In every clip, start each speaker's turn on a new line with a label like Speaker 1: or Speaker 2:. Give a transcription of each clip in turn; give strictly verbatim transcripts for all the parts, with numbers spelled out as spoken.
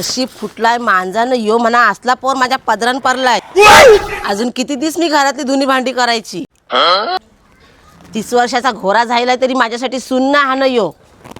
Speaker 1: नशीब फुटलाय मांजानं यो म्हणा असला पोर माझ्या पदरान पडलाय। अजून किती दिवस मी घरातली धुनी भांडी करायची। तीस वर्षाचा घोरा झालाय तरी माझ्यासाठी सुन्न हा न यो।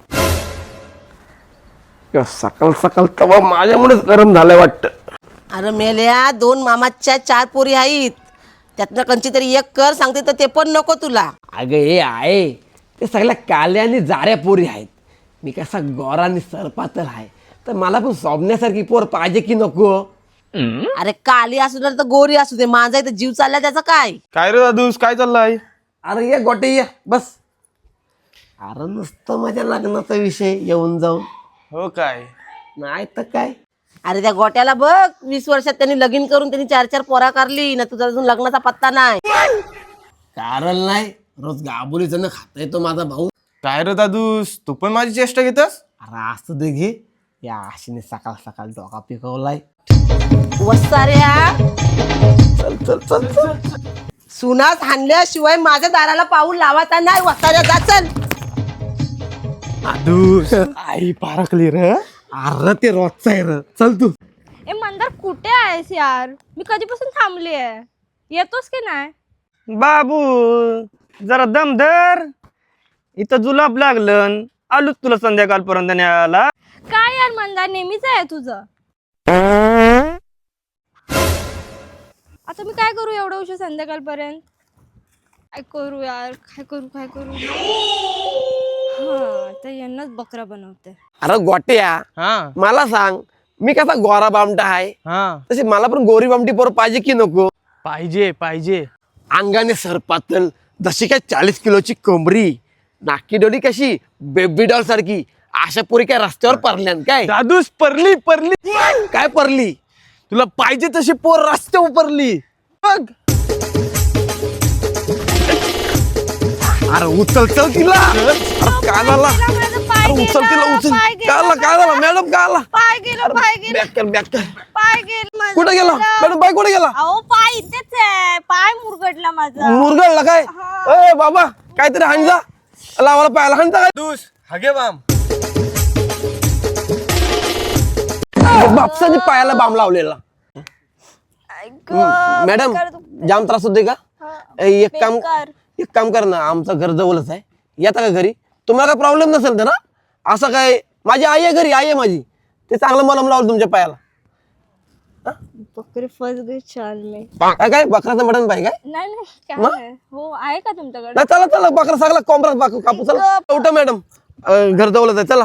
Speaker 2: सकाळ सकाळ तवा माझ्यामुळेच गरम झालंय वाटतं।
Speaker 1: अरे मेल्या दोन मामाच्या चार पोरी आहेत, त्यातनं कंची तरी एक कर सांगते तर ते पण नको तुला।
Speaker 2: अगं हे आहे ते सगळ्या काल्या आणि जाऱ्या पोरी आहेत। मी कसा गोरा आणि सरपातळ आहे तर मला पण सोबण्यासारखी पोर पाहिजे की नको?
Speaker 1: अरे काली असू दे तर गोरी असू दे, माझा इथं जीव चाललाय त्याचं काय?
Speaker 3: काय रे दादूस, काय चाललंय?
Speaker 2: अरे ये गोटे ये बस। अरे नुसतं माझ्या लग्नाचा विषय येऊन जाऊन।
Speaker 3: हो काय?
Speaker 2: नाही तर काय।
Speaker 1: अरे त्या गोट्याला बघ, वीस वर्षात त्यांनी लगीन करून त्यांनी चार चार पोरा करली ना, तुझा अजून लग्नाचा पत्ता नाही।
Speaker 2: कारण नाही रोज गाबुलीचं न खाता येतो माझा भाऊ।
Speaker 3: काय रे दादूस, तू पण माझी चेष्टा घेतस?
Speaker 2: अरे असं दे घे, या आशीने सकाळ सकाळ डोका पिकवलाय।
Speaker 1: वसाऱ्या
Speaker 2: चल चल चल चल।
Speaker 1: सुनास हाणल्याशिवाय माझ्या दाराला पाऊल लावायचा नाही। वसाऱ्या जा चल।
Speaker 3: दादूस आई पारखली रे।
Speaker 2: अरे ते रोजचा आहे र, चल तू।
Speaker 4: ए मंदार कुठे आहेस यार? मी कधीपासून थांबली आहे, येतोस की नाही?
Speaker 5: बाबू जरा दम धर, इथं जुलाब लागलं, आलो तुला संध्याकाळपर्यंत न्यायला।
Speaker 4: काय यार मंदार, नेहमीच आहे तुझं। आता मी काय करू एवढं उशीर संध्याकाळपर्यंत? काय करू यार, काय करू काय करू? हा तर यांनाच बकरा बनवते।
Speaker 2: अरे गोट्या,
Speaker 3: हा
Speaker 2: मला सांग, मी कसा गोरा बामटा आहे
Speaker 3: हा
Speaker 2: तशी मला पण गोरी बामटी पोर पाहिजे की नको?
Speaker 3: पाहिजे पाहिजे।
Speaker 2: अंगाने सरपातल, जशी काय चाळीस किलोची कोंबरी, नाकी डोली कशी बेबी डॉल सारखी, अशा पोरी काय रस्त्यावर परल्यान काय?
Speaker 3: दादूस परली परली।
Speaker 2: काय परली?
Speaker 3: तुला पाहिजे तशी पोर रस्त्यावर परली बघ।
Speaker 2: अरे उचल चल तिला। अरे काय झाला? अरे उचल तिला उचल। काय झालं काय झालं मॅडम, काय झालं?
Speaker 4: पाय गेलं पाय गेलं
Speaker 2: बॅक कर बॅक कर।
Speaker 4: पाय गेलं
Speaker 2: कुठे गेला मॅडम? पाय कुठे गेला?
Speaker 4: अहो पाय इथेच आहे, पाय मुरगडला माझा।
Speaker 2: मुरगळला काय? ए बाबा काहीतरी हाणजा, लावाला पायाला हाणजा काय?
Speaker 3: दादूस हगे बाम।
Speaker 2: बापसाने पायाला बाम लावलेला। मॅडम जाम त्रास होते का? ए, एक काम एक काम कर ना, आमचं घर जवळच आहे, येता का घरी? तुम्हाला काय प्रॉब्लेम नसेल तर ना? असं काय, माझी आई आहे घरी, आई आहे माझी, ते चांगलं मलम लावलं तुमच्या पायाला।
Speaker 4: बकरी फस गई चाल में।
Speaker 2: काय काय बकराचं मटण पाहिजे काय?
Speaker 4: नाही नाही काय
Speaker 2: मग?
Speaker 4: आहे? हो आहे का तुमच्याकडे?
Speaker 2: नाही चला चला, बकरा सगळा कोंबडा कापू चला। उठा मॅडम, अं, घर जवळच आहे, चला।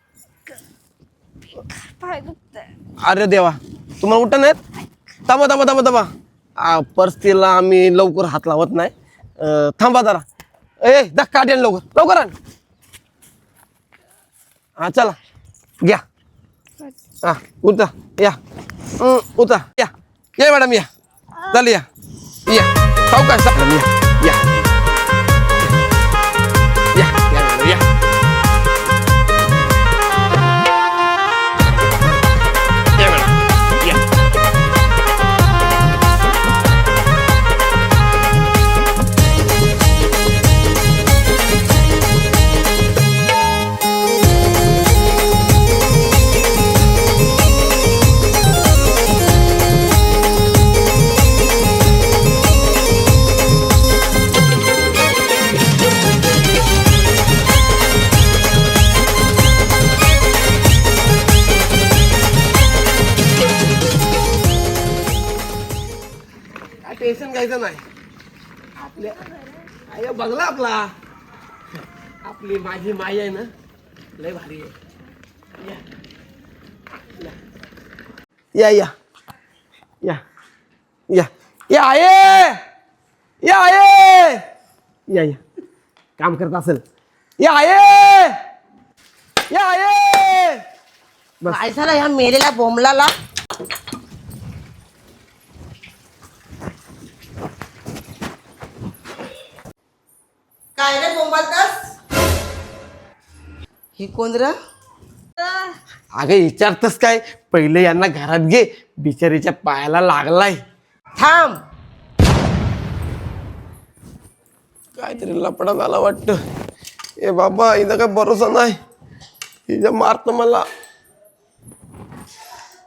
Speaker 4: पाय दुखतंय।
Speaker 2: अरे देवा, तुम्हाला उठा नाहीत? थांबा थांबा थांबा थांबा, पर्सला आम्ही लवकर हात लावत नाही, अं, थांबा जरा। ए दा काढ यान लवकर लवकर आण। हा चला घ्या, हा उठा या, हं, उठा या या मॅडम या, चल या या, खाऊ काय मॅडम या या या या मॅडम या। या मॅडम या। टेन्शन घ्यायचं नाही, आपल्या आई बघला आपला, आपली माझी माई आहे ना, लय भारी आहे। या या या या या या आहे या आहे या या, काम करत असेल, या आहे या आहे।
Speaker 1: काय झालं ह्या मेलेल्या बोंबलाला? काय रे बोंबालतास? ही कोण रे?
Speaker 2: अगं विचारतस काय, पहिले यांना घरात घे, बिचारीच्या पायाला लागलाय।
Speaker 1: थांब,
Speaker 2: काहीतरी लपडा झाला वाटतं। ए बाबा, हिचा काय भरोसा नाही, हिचा मारत मला।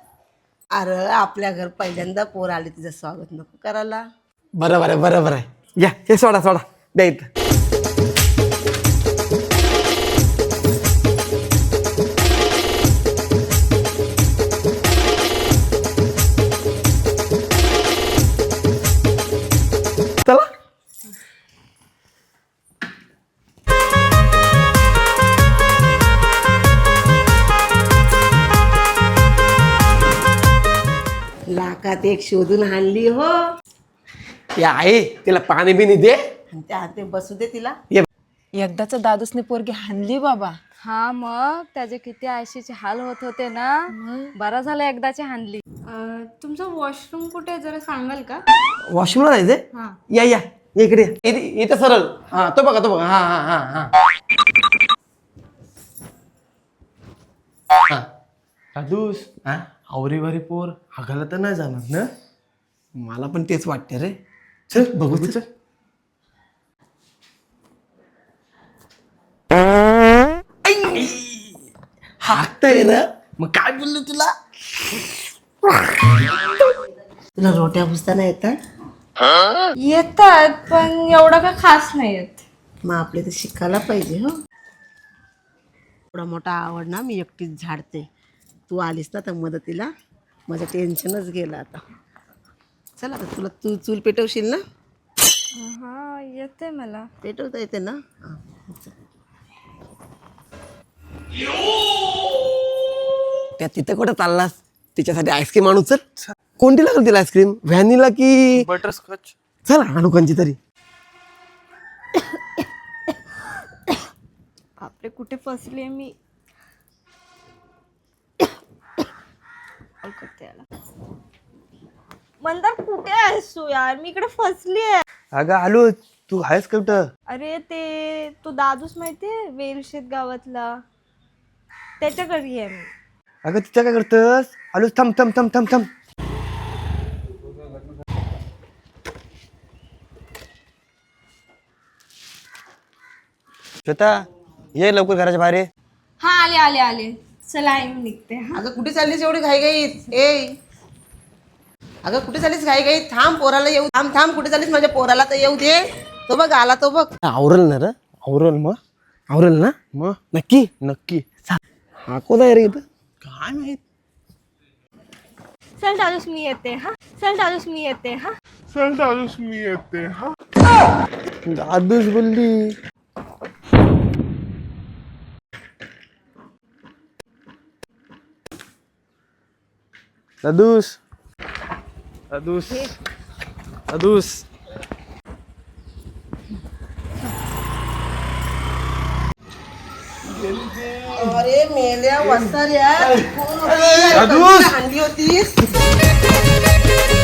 Speaker 1: अरे आपल्या घर पहिल्यांदा पोर आली, तिचं स्वागत नको करायला?
Speaker 2: बरोबर आहे बरोबर आहे. या हे सोडा सोडा द्या इथं. चला
Speaker 1: लाखात एक शोधून आणली हो.
Speaker 2: या आहे तिला पाणी बिनी दे.
Speaker 1: आणि त्या हाते बसू दे तिला.
Speaker 2: ये
Speaker 6: एकदाच दादूसने पोरगी हाणली बाबा.
Speaker 4: हा मग त्याचे किती आयशीचे हाल होत होते ना. बरा झालं एकदाची हाणली. तुमचं वॉशरूम कुठे आहे जरा सांगाल का?
Speaker 2: वॉशरूमला जायचंय. या या या इकडे या. इथे इथं सरळ. हा तो बघा तो बघा. हा हा हा हा हा.
Speaker 3: दादूस
Speaker 2: हा
Speaker 3: आवरीवारी पोर हागायला तर नाही जाणार ना.
Speaker 2: मला पण तेच वाटते रे. चल बघू चल. हाकतय ना.
Speaker 3: मग काय बोललो तुला.
Speaker 1: तुला रोट्या भुसताना येतात?
Speaker 4: येतात पण एवढं का खास नाही येत.
Speaker 1: मग आपले तर शिकायला पाहिजे हो. एवढा मोठा आवड ना मी एकटीच झाडते. तू आलीस ना तर मदतीला, माझं टेन्शनच गेलं आता. चल आता तुला तू चूल पेटवशील ना?
Speaker 4: हा येते मला.
Speaker 1: पेटवता येते ना? हा.
Speaker 2: त्या तिथं कुठं चाललास? तिच्यासाठी आईस्क्रीम आणू. चल. कोणती लागेल तिला आईस्क्रीम? व्हॅनिला की
Speaker 3: बटरस्कॉच.
Speaker 2: चल आणू कोणची तरी.
Speaker 4: आपले कुठे फसले मी. मंदार कुठे आहेस तू यार? मी इकडे फसली आहे.
Speaker 5: अगं आलो. तू आहेस कुठं?
Speaker 4: अरे ते तो दादूस माहितीये वेलशेत गावातला, त्याच्या घरी आहे मी.
Speaker 5: अगं तिच्या काय करतस? आलो. थांब थांब थांब थांब थांब. श्वेता ये लवकर घराच्या बाहेर ये.
Speaker 4: हा आले आले आले. चला आई मी निघते. हा
Speaker 1: अगं कुठे चाललीस एवढी घाई घाईत? ए अगं कुठे चाललीस घाई घाईत? थांब पोराला येऊ. थांब थांब कुठे चाललीस? माझ्या पोराला तर येऊ दे. तो बघ आला तो बघ.
Speaker 2: आवरल ना रे?
Speaker 3: आवरल मग.
Speaker 2: आवरल ना?
Speaker 3: मग
Speaker 2: नक्की.
Speaker 3: नक्की.
Speaker 2: हा कोण आहे रे इथं?
Speaker 3: काय माहित.
Speaker 4: चल दादूस मी येते. हा चल दादूस मी येते. हा
Speaker 2: दादूस बोलली.
Speaker 3: दादूस दादूस दादूस.
Speaker 1: अरे मेल्या वसाऱ्या.
Speaker 3: दादूस.
Speaker 1: आणली होतीस